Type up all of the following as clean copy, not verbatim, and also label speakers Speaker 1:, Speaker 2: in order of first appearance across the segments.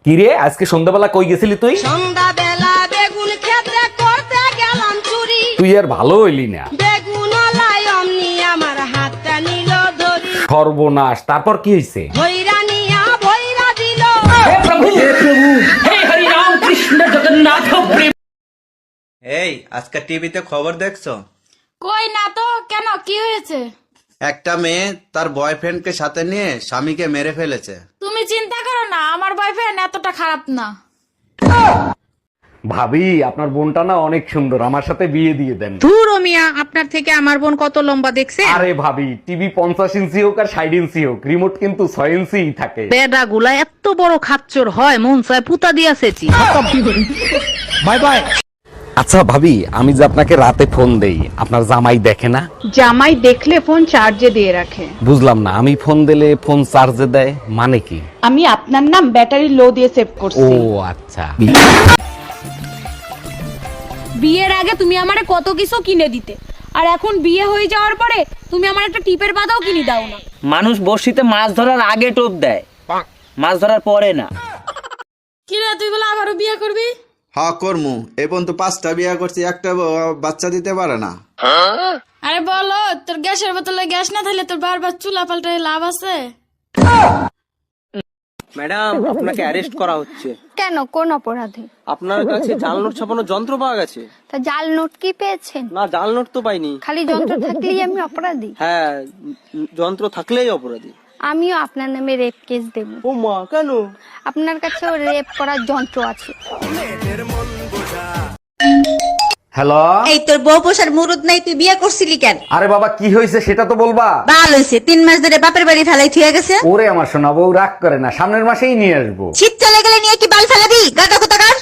Speaker 1: কিরে আজকে সন্ধ্যাবেলা কই গেছিলি তুই?
Speaker 2: সন্ধ্যাবেলা বেগুন ক্ষেত্রে করতে গেলাম চুরি।
Speaker 1: তুই আর ভালো হইলি না।
Speaker 2: বেগুন লাই অমনি আমার হাতটা নিল ধরি।
Speaker 1: সর্বনাশ, তারপর কি হয়েছে?
Speaker 2: ভৈরা নিয়া ভৈরা দিল।
Speaker 3: এই আজকে টিভিতে খবর দেখছো?
Speaker 4: কই না তো, কেন কি হয়েছে?
Speaker 3: একটা মেয়ে তার বয়ফ্রেন্ডকে সাথে নিয়ে স্বামীকে মেরে ফেলেছে।
Speaker 4: তুমি চিন্তা করো না, আমার বয়ফ্রেন্ড এতটা খারাপ না।
Speaker 1: ভাবি, আপনার বোনটা না অনেক সুন্দর, আমার সাথে বিয়ে দিয়ে দেন।
Speaker 5: ধুর ও মিয়া, আপনার থেকে আমার বোন কত লম্বা দেখছে?
Speaker 1: আরে ভাবি, টিভি 50 ইঞ্চি হোক আর 60 ইঞ্চি হোক, রিমোট কিন্তু 6 ইঞ্চি থাকে।
Speaker 5: বেডা গুলা এত বড় খাচ্চর হয়, মন চায় পুতা দিয়াছেছি।
Speaker 1: Bye bye. আচ্ছা ভাবি, আমি যে আপনাকে রাতে ফোন দেই, আপনার জামাই দেখে না?
Speaker 6: জামাই দেখলে ফোন চার্জে দিয়ে রাখে।
Speaker 1: বুঝলাম না, আমি ফোন দিলে ফোন চার্জে দেয় মানে কি?
Speaker 6: আমি আপনার নাম ব্যাটারি লো দিয়ে সেভ
Speaker 1: ও
Speaker 6: করছি।
Speaker 1: আচ্ছা।
Speaker 4: বিয়ের আগে তুমি আমারে কত কিছু কিনে দিতে, আর এখন বিয়ে হয়ে যাওয়ার পরে তুমি আমার একটা টিপের পাতাও কিনে দাও না।
Speaker 7: মানুষ বড়শিতে মাছ ধরার আগে টোপ দেয়, মাছ ধরার পরে না।
Speaker 4: কি রে, তুই বলে আবারও বিয়ে করবি?
Speaker 3: হ্যাঁ করমু, এই পর্যন্ত 5টা বিয়ে করছি, একটা বাচ্চা দিতে পারে না।
Speaker 4: আরে বলো, তোর গ্যাসের বোতলে গ্যাস না থাকলে তোর বারবার চুলা পাল্টায় লাভ আছে?
Speaker 7: ম্যাডাম, আপনাকে অ্যারেস্ট করা হচ্ছে।
Speaker 8: কেন, কোন অপরাধে?
Speaker 7: আপনার কাছে জাল নোট ছাপানোর যন্ত্র পাওয়া গেছে।
Speaker 8: তা জাল নোট কি পেয়েছেন?
Speaker 7: না, জাল নোট তো পাইনি।
Speaker 8: খালি যন্ত্র থাকলেই আমি অপরাধী?
Speaker 7: হ্যাঁ, যন্ত্র থাকলেই অপরাধী।
Speaker 8: আমিও আপনার নামে রেপ কেস দেব।
Speaker 7: ও মা, কেন?
Speaker 8: আপনার কাছেও রেপ করার যন্ত্র আছে।
Speaker 1: হ্যালো।
Speaker 9: এই তোর বউ পোষার মুরুদ নাই, তুই বিয়ে করছিলি কেন?
Speaker 1: আরে বাবা, কি হয়েছে সেটা তো বলবা।
Speaker 9: ভালো হয়েছে, 3 মাস ধরে বাপের বাড়ি ফেলাই থুয়ে গেছে।
Speaker 1: ওরে আমার সোনা বউ, রাগ করে না, সামনের মাসেই নিয়ে আসবো।
Speaker 9: শীত চলে গেলে নিয়ে কি বাল ফেলাবি? গাদা কোথাকার।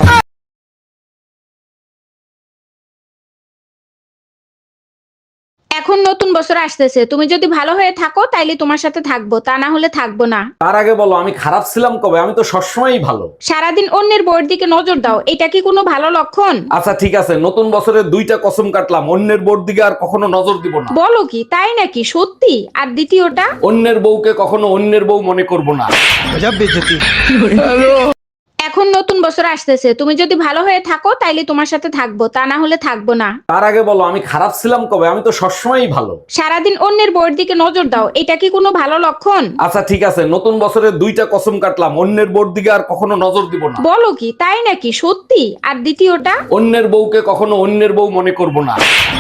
Speaker 6: এখন নতুন বছর আসতেছে, তুমি যদি ভালো হয়ে থাকো তাইলে তোমার সাথে থাকবো, তা না হলে থাকবো না।
Speaker 1: তার আগে বলো, আমি খারাপ ছিলাম কবে? আমি তো সবসময়ই ভালো।
Speaker 6: সারাদিন অন্যের বউয়ের দিকে নজর দাও, এটা কি কোনো ভালো লক্ষণ?
Speaker 1: আচ্ছা ঠিক আছে, নতুন বছরে 2টা কসম কাটলাম, অন্যের বউর দিকে আর কখনো নজর দিব না।
Speaker 6: বলো কি, তাই নাকি? সত্যি? আর দ্বিতীয়টা?
Speaker 1: অন্যের বউকে কখনো অন্যের বউ মনে করব না।
Speaker 6: এখন নতুন বছর আসতেছে, তুমি যদি ভালো হয়ে থাকো তাইলে তোমার সাথে থাকবো, তা না হলে থাকবো না।
Speaker 1: তার আগে বলো, আমি খারাপ ছিলাম কবে? আমি তো সবসময়ই ভালো।
Speaker 6: সারাদিন অন্যের বউয়ের দিকে নজর দাও, এটা কি কোনো ভালো লক্ষণ?
Speaker 1: আচ্ছা ঠিক আছে, নতুন বছরে 2টা কসম কাটলাম, অন্যের বউর দিকে আর কখনো নজর দিব না।
Speaker 6: বলো কি, তাই নাকি? সত্যি? আর দ্বিতীয়টা?
Speaker 1: অন্যের বউকে কখনো অন্যের বউ মনে করব না।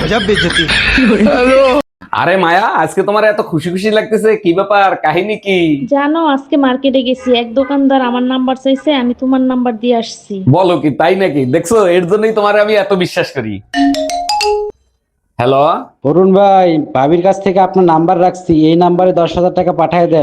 Speaker 1: আরে মায়া, আজকে তোমার এত খুশি খুশি লাগতেছে, কি ব্যাপার? কাহিনী কি?
Speaker 10: জানো, আজকে মার্কেটে গেছি, এক দোকানদার আমার নাম্বার চাইছে, আমি তোমার নাম্বার দিয়ে আসছি।
Speaker 1: বলো কি, তাই নাকি? দেখছো, এর জন্যই তোমার আমি এত বিশ্বাস করি। হ্যালো
Speaker 11: অরুণ ভাই, ভাবির কাছ থেকে আপনার নাম্বার রাখছি, এই নাম্বারে 10,000 টাকা পাঠিয়ে দেন।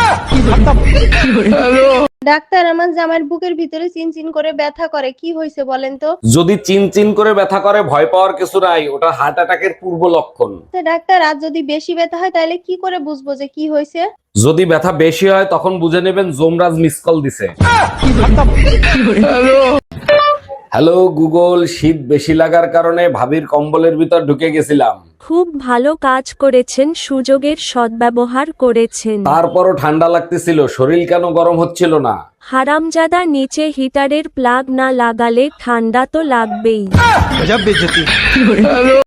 Speaker 8: ডাক্তার, আমার জামাইয়ের বুকের ভিতরে চিনচিন করে ব্যথা করে, কি হয়েছে বলেন তো?
Speaker 1: যদি চিন চিন করে ব্যথা করে, ভয় পাওয়ার কিছু নাই, ওটা হার্ট অ্যাটাকের পূর্ব লক্ষণ।
Speaker 8: ডাক্তার, আর যদি বেশি ব্যথা হয় তাহলে কি করে বুঝবো যে কি হয়েছে?
Speaker 1: যদি ব্যথা বেশি হয় তখন বুঝে নেবেন যমরাজ মিস কল দিছে। হ্যালো গুগল, শীত বেশি লাগার কারণে ভাবির কম্বলের ভিতর ঢুকে গেছিলাম।
Speaker 10: খুব ভালো কাজ করেছেন, সুযোগের সদ্ব্যবহার করেছেন।
Speaker 1: তারপরও ঠান্ডা লাগতেছিল, শরীর কেন গরম হচ্ছিল না?
Speaker 10: হারামজাদা, নিচে হিটারের প্লাগ না লাগালে ঠান্ডা তো লাগবেই।